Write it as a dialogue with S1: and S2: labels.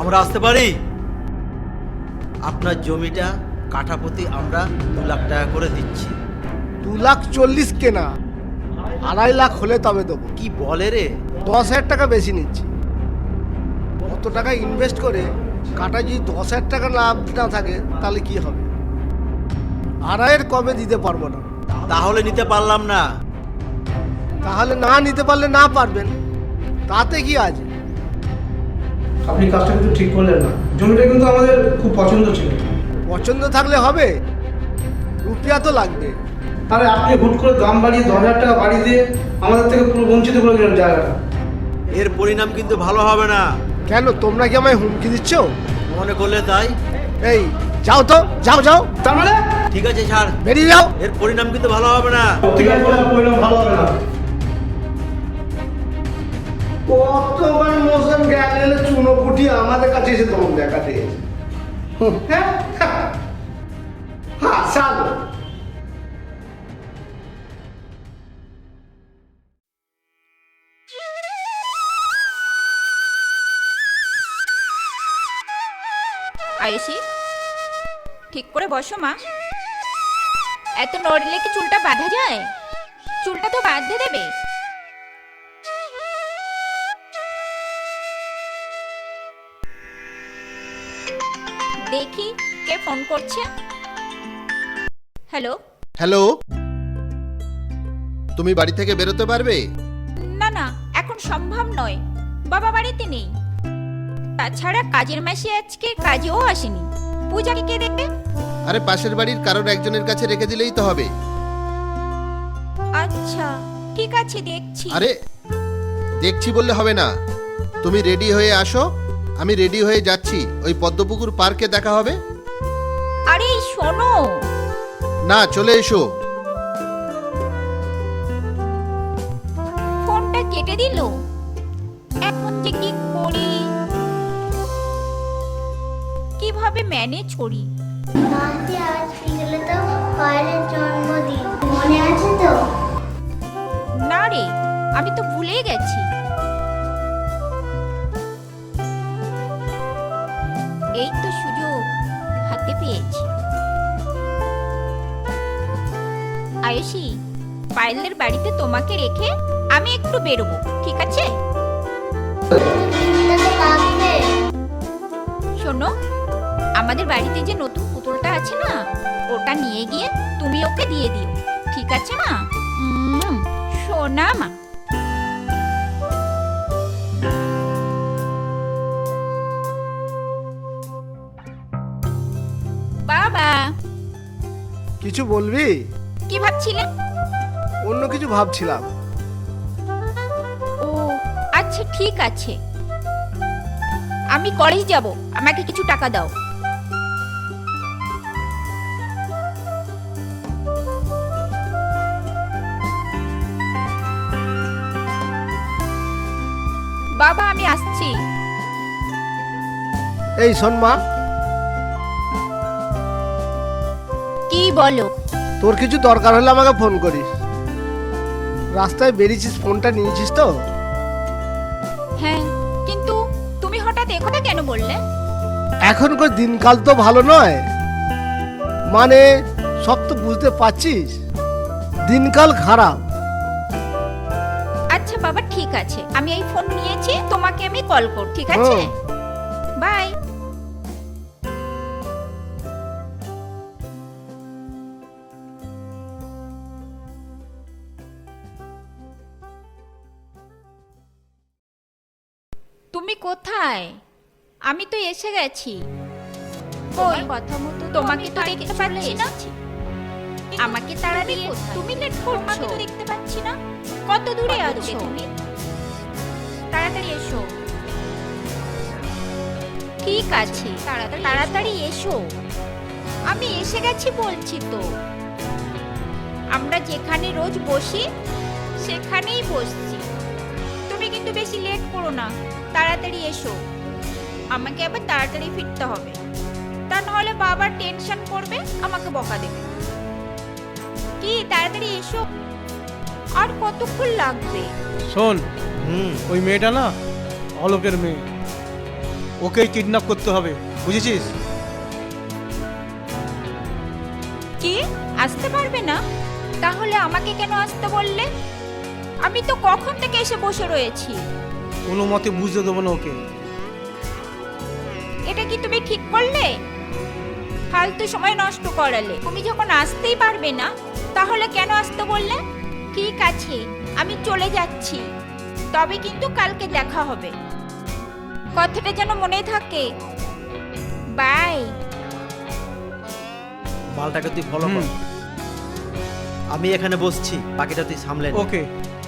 S1: আমরা আসতে পারি? আপনার জমিটা কাঠা প্রতি আমরা 2 লাখ টাকা করে দিচ্ছি।
S2: 2,40,000 কেনা, 2.5 লাখ হলে তবে দেবো।
S1: কি বলে রে?
S2: 10,000 টাকা বেশি নিচ্ছি। কত টাকা ইনভেস্ট করে কাটা যদি 10,000 টাকা লাভ না থাকে তাহলে কি হবে? 2.5 কমে দিতে পারবো না।
S1: তাহলে নিতে পারলাম না।
S2: তাহলে না নিতে পারলে না পারবেন, তাতে কি আছে?
S3: আপনি কাজটা কিন্তু ঠিক করলেন না। জমিটা কিন্তু আমাদের খুব পছন্দ ছিল।
S2: পছন্দ থাকলে হবে, রুপিয়া তো লাগবে।
S3: আরে আপনি হুট করে দাম বাড়িয়ে 10,000 টাকা বাড়িয়ে দিয়ে আমাদের থেকে পুরো বঞ্চিত করে দিলেন জায়গাটা।
S1: এর পরিণাম কিন্তু ভালো হবে না।
S2: কেন, তোমরা কি আমায় হুমকি দিচ্ছ?
S1: মনে করলে তাই।
S2: এই যাও তো, যাও যাও,
S3: তার মানে
S1: ঠিক আছে ছাড়,
S2: বেরিয়ে যাও।
S1: এর পরিণাম কিন্তু ভালো হবে না।
S3: ঠিক আছে, পরিণাম ভালো হবে না।
S2: কতবার মোশন গেলে চুনো কুটি আমাদের কাছে এসে তোমার দেখাতে। হ্যাঁ হ্যাঁ চালো।
S4: আয়েশি, ঠিক করে বসো মা। এত নড়লে কি চুলটা বাঁধা যায়? চুলটা তো বাঁধতে দেবে। দেখি কে ফোন করছে। হ্যালো।
S5: হ্যালো, তুমি বাড়ি থেকে বেরোতে পারবে?
S4: না না, এখন সম্ভব নয়, বাবা বাড়িতে নেই। তাছাড়া কাজের মাসি আজকে কাজেও আসেনি। পূজাকে কে দেখবে?
S5: আরে পাশের বাড়ির কারোর একজনের কাছে রেখে দিলেই তো হবে।
S4: আচ্ছা ঠিক আছে, দেখছি।
S5: আরে দেখছি বললে হবে না, তুমি রেডি হয়ে আসো, আমি রেডি হয়ে যাচ্ছি। ওই পদ্মপুকুর পার্কে দেখা হবে।
S4: আরে শোনো
S5: না, চলে এসো।
S4: ফোনটা কেটে দিল। এখন যে কি করি, কিভাবে ম্যানেজ করি?
S6: মাসি আজ বিকেলে তো পায়েলের জন্মদিন, মনে আছে তো?
S4: না রে, আমি তো ভুলে গেছি। এই তো সুযোগ হাতে পেয়েছি। আয়েশি, পায়েলের বাড়িতে তোমাকে রেখে আমি একটু বেরোবো, ঠিক আছে?
S6: দিনটা তো লাগবে।
S4: শোনো, আমাদের বাড়িতে যে নতুন পুতুলটা আছে না, ওটা নিয়ে গিয়ে তুমি ওকে দিয়ে দিও, ঠিক আছে মা? সোনা মা। বাবা,
S2: কিছু বলবি?
S4: কি ভাবছিলে?
S2: অন্য কিছু ভাবছিলাম।
S4: ও আচ্ছা ঠিক আছে, আমি কলেজ যাব, আমাকে কিছু টাকা দাও। বাবা আমি আসছি।
S2: এই শোন মা,
S4: কি বলো?
S2: তোর কিছু দরকার হলে আমাকে ফোন করিস। রাস্তায় বেরিয়েছিস, ফোনটা নিয়েছিস তো?
S4: হ্যাঁ, কিন্তু তুমি হঠাৎ একথা কেন বললে?
S2: এখনকার দিনকাল তো ভালো নয়, মানে সব তো বুঝতে পারছিস, দিনকাল খারাপ।
S4: আচ্ছা বাবা ঠিক আছে, আমি এই ফোন নিয়েছি, তোমাকে আমি কল করব, ঠিক আছে? বাই। তুমি কোথায়? আমি তো এসে গেছি। ওই কথা মতো তোমাকে তো দেখতে পাচ্ছি না। আমাকে তাড়াতাড়ি, তুমি লেট করছো। আমাকে তো দেখতে পাচ্ছি না। কত দূরে আছো তুমি? তাড়াতাড়ি এসো। ঠিক আছে, তাড়াতাড়ি এসো। আমি এসে গেছি বলছি তো। আমরা যেখানে রোজ বসি সেখানেই বসছি। তুমি কিন্তু বেশি লেট করো না, তাড়াতাড়ি এসো। আমাকে আবার তাড়াতাড়ি ফিরতে হবে, তা নাহলে বাবা টেনশন করবে, আমাকে বকা দেবে। কি তাড়াতাড়ি এসো। আর কতক্ষণ লাগবে?
S3: শোন,
S1: হুম,
S3: ওই মেয়েটা না অলোকের মেয়ে। ওকেই কিডন্যাপ করতে হবে, বুঝেছিস?
S4: কি আসতে পারবে না? তাহলে আমাকে কেন আসতে বললে? আমি তো কখন থেকে এসে বসে রয়েছি।
S3: কোনো মতে বুঝতে দেবো না ওকে।
S4: এটা কি তুমি ঠিক করলে? ফালতু সময় নষ্ট করালে। তুমি যখন আসতেই পারবে না তাহলে কেন আসতে বললে? ঠিক আছে, আমি চলে যাচ্ছি, তবে কিন্তু কালকে দেখা হবে। কথাটা যেন মনে থাকে। বাই।
S1: মালটাকে তুই ফলো কর,
S3: হুম।
S1: আমি এখানে বসছি, বাকিটা তুই সামলে নে।
S3: ওকে।